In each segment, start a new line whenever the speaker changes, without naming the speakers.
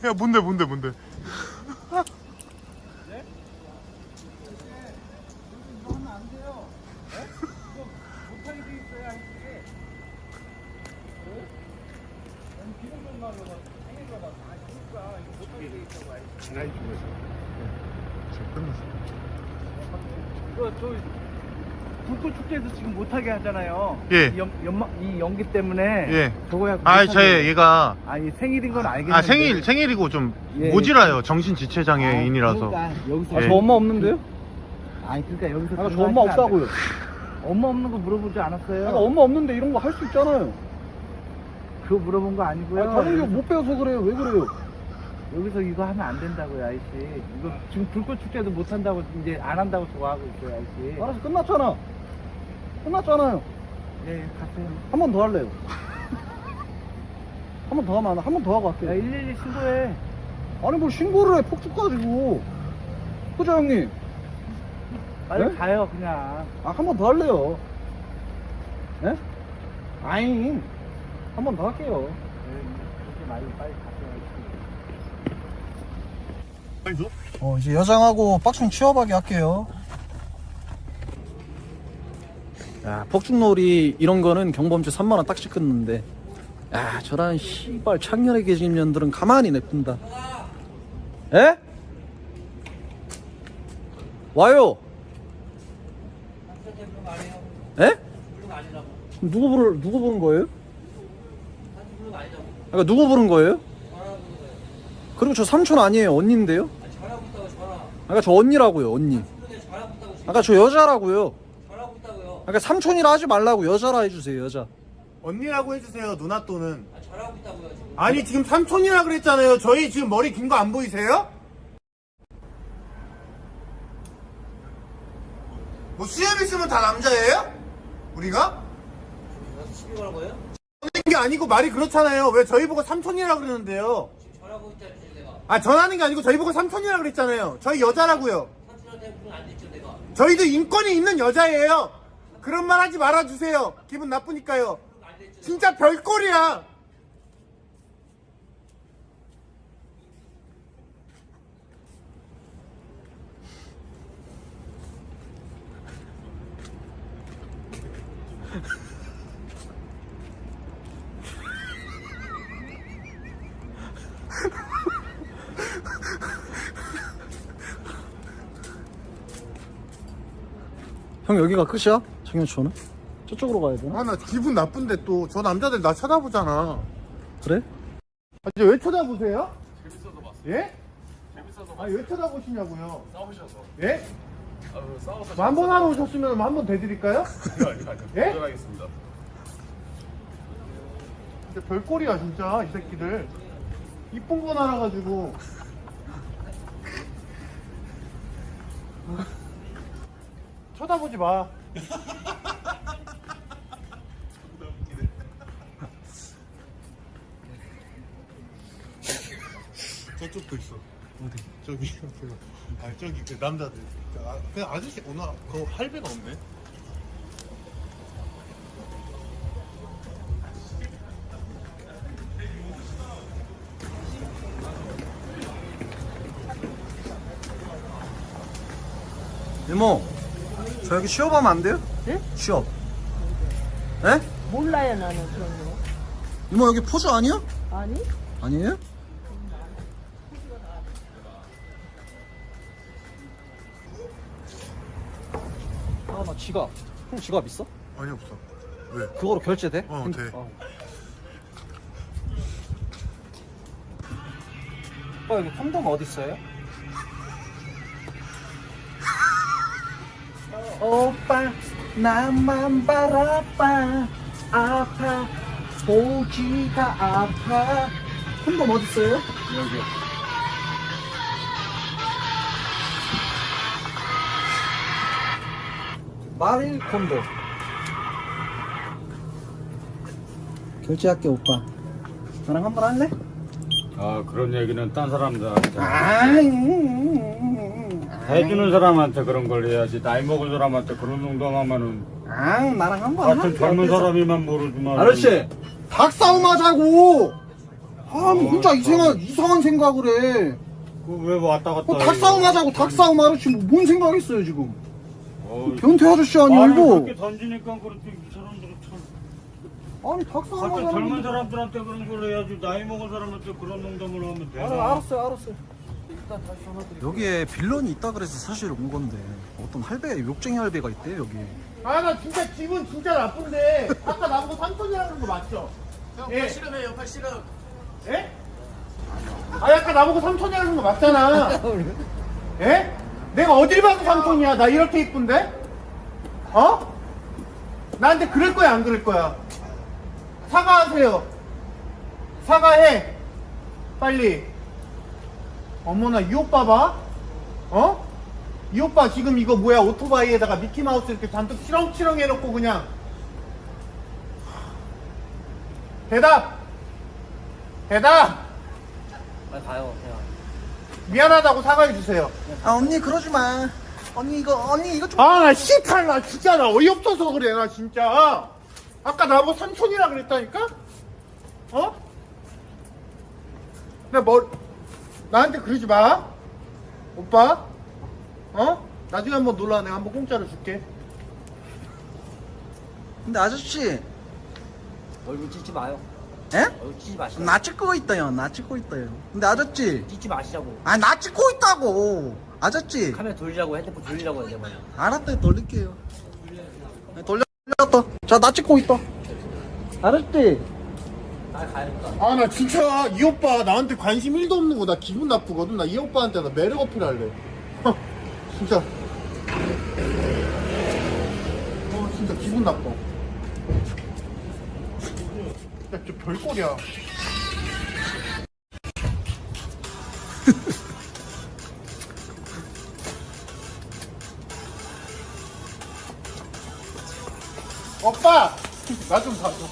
야 뭔데 뭔데 뭔데?
네? 이거 하면 안 돼요. 네? 이거 못하게 돼 있어야 이게. 아니 기름 좀 나려고 생일가 봐. 아 그러니까 이거 못하게 돼 있다고 알지.
나이 중에서. 지금 끝났어.
이거 저 불꽃 축제에서 지금 못하게 하잖아요.
예.
이 연기 때문에.
예.
저거야.
아,
못하게.
얘가
아니 생일인 건 알겠는데.
아 생일이고 좀
예.
모질아요. 정신 지체 장애인이라서.
그러니까 여기서
예.
저 엄마 없는데요?
아니 그러니까 여기서
아까 저
그거
엄마
하시면 안 돼.
없다고요.
엄마 없는 거 물어보지 않았어요?
아까 엄마 없는데 이런 거 할 수 있잖아요.
그거 물어본 거 아니고요.
다른 게 못 배워서 그래요. 왜 그래요?
여기서 이거 하면 안 된다고요, 아저씨. 이거 지금 불꽃 축제도 못 한다고 이제 안 한다고 좋아하고 있어요, 아저씨.
알아서 끝났잖아. 끝났잖아요.
예, 가세요.
한 번 더 할래요. 한 번 더 하면 한 번 더 하고
야,
할게요.
112 신고해.
아니 뭘 신고를 해 폭죽 가지고. 그죠 형님?
빨리
네?
가요, 그냥.
아 한 번 더 할래요. 예? 아잉. 한 번 더 할게요.
예, 그렇게 말고 빨리 가세요.
빨리 줘.
이제 여장하고 빡충 치워박이 할게요. 야, 폭죽놀이 이런 거는 경범죄 3만원 딱지 끊는데, 야, 저런 씨발 창년에 계신 년들은 가만히 냅둔다. 에? 와요. 에? 누구 부른 거예요? 그러니까 누구 부른 거예요? 그리고 저 삼촌 아니에요, 언니인데요? 아까 저 언니라고요, 언니. 아까 저 여자라고요. 아까 삼촌이라 하지 말라고 여자라 해주세요, 여자.
언니라고 해주세요. 누나 또는. 잘하고 있다고요. 지금. 아니 지금 삼촌이라 그랬잖아요. 저희 지금 머리 긴 거 안 보이세요? 뭐 수염 있으면 다 남자예요? 우리가?
시비 걸 거예요?
전하는 게 아니고 말이 그렇잖아요. 왜 저희 보고 삼촌이라 그러는데요?
지금 전화하고 있잖아요, 내가.
아 전하는 게 아니고 저희 보고 삼촌이라 그랬잖아요. 저희 여자라고요.
삼촌한테 무슨 안 됐죠, 내가.
저희도 인권이 있는 여자예요. 그런 말 하지 말아주세요. 기분 나쁘니까요. 진짜 별꼴이야.
형 여기가 끝이야? 청년촌은? 저쪽으로 가야 되나?
아 나 기분 나쁜데 또 저 남자들 나 쳐다보잖아.
그래?
아, 이제 왜 쳐다보세요? 재밌어서 봤어요. 예? 재밌어서 봤어요. 아니 왜 쳐다보시냐고요? 싸우셔서. 예? 싸워서. 한 번 하러 오셨으면 한 번 대드릴까요? 아니요. 예? 도전하겠습니다. 진짜 별꼴이야 진짜 이 새끼들. 이쁜 건 알아가지고. 쳐다보지 마. 저쪽도 있어. 어디? 저기. 아 저기 그 남자들. 그냥 아저씨 오늘 그 할배가 없네.
이모, 저 여기 취업하면 안 돼요?
네?
취업. 에?
몰라요 나는 그런 거.
이모 여기 포즈 아니야?
아니?
아니에요? 아, 나 지갑. 형 지갑 있어?
아니 없어. 왜?
그거로 결제돼?
어, 돼.
오빠 여기 콘돔 어디 있어요? 오빠 나만 바라봐 아파 보지가 아파 콘돔 어디 있어요? 여기. 마릴 콘돔 결제할게 오빠. 나랑 한번 할래?
아 그런 얘기는 딴 사람들한테
아이
해주는 사람한테 그런 걸 해야지 나이 먹은 사람한테 그런 농담하면은
나랑 한번
같은
할게.
젊은
어때서?
사람이만 모르지만
아저씨 닭싸움 하자고. 아, 뭐 혼자 이상한 생각을 해.
그왜 왔다 갔다
닭싸움 하자고 닭싸움 하듯이 뭔 생각했어요 지금.
어이.
변태 아저씨 아니
아니
이거.
그렇게 던지니까 그렇지 이 사람들은 참
아니 닭싸움
갑자기
하자고.
젊은 사람들한테 그런 걸 해야지 나이 먹은 사람한테 그런 농담을 하면 되나
알았어요. 여기에 빌런이 있다 그래서 사실 온 건데 어떤 할배, 욕쟁이 할배가 있대 여기.
아 나 진짜 기분 진짜 나쁜데 아까 나보고 삼촌이라는 거 맞죠? 예.
싫음해요, 팔 싫음.
예? 아 아까 나보고 삼촌이라는 거 맞잖아. 예? 내가 어딜 봐도 삼촌이야. 나 이렇게 이쁜데? 어? 나한테 그럴 거야 안 그럴 거야? 사과하세요. 사과해. 빨리. 어머나 이 오빠 봐. 어? 이 오빠 지금 이거 뭐야 오토바이에다가 미키마우스 이렇게 잔뜩 치렁치렁 해놓고 그냥. 대답.
빨리 가요, 그냥.
미안하다고 사과해주세요.
아 언니 그러지 마. 언니 이거 좀.
아 나 씨탈 나 진짜 나 어이없어서 그래 나 진짜. 아까 나보고 삼촌이라 그랬다니까? 어? 나한테 그러지 마. 오빠. 어? 나중에 한번 놀라. 내가 한번 공짜로 줄게.
근데 아저씨,
얼굴 찢지 마요.
에?
얼굴 찢지 마시라고.
나 찍고 있다요. 나 찍고 있다요. 근데 아저씨,
찢지 마시라고.
아니 나 찍고 있다고. 아저씨,
카메라 돌리라고, 핸드폰 돌리라고 해야 돼, 말이야.
알았다 돌릴게요. 돌렸다. 자, 나 찍고 있다. 아저씨.
나 가야겠다.
아 나 진짜 이 오빠 나한테 관심 1도 없는 거 나 기분 나쁘거든. 나 이 오빠한테 나 매력 어필할래. 진짜. 진짜 기분 나빠. 야, 저 별꼴이야. 오빠! 나 좀 봐줘.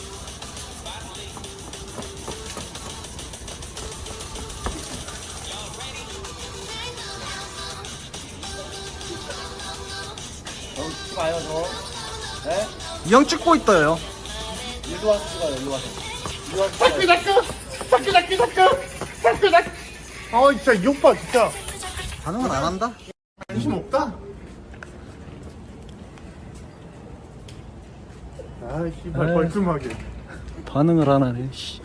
찢지 마요, 저. 네?
이 형 찍고 있다요.
일로 와서 찍어요, 일로 와서. 일로 와서
자꾸
찍어요.
자꾸. 아 진짜 이 오빠 진짜
반응은 안 한다.
관심 없다. 아 씨발
에이.
벌끔하게.
반응을 안 하네. 씨.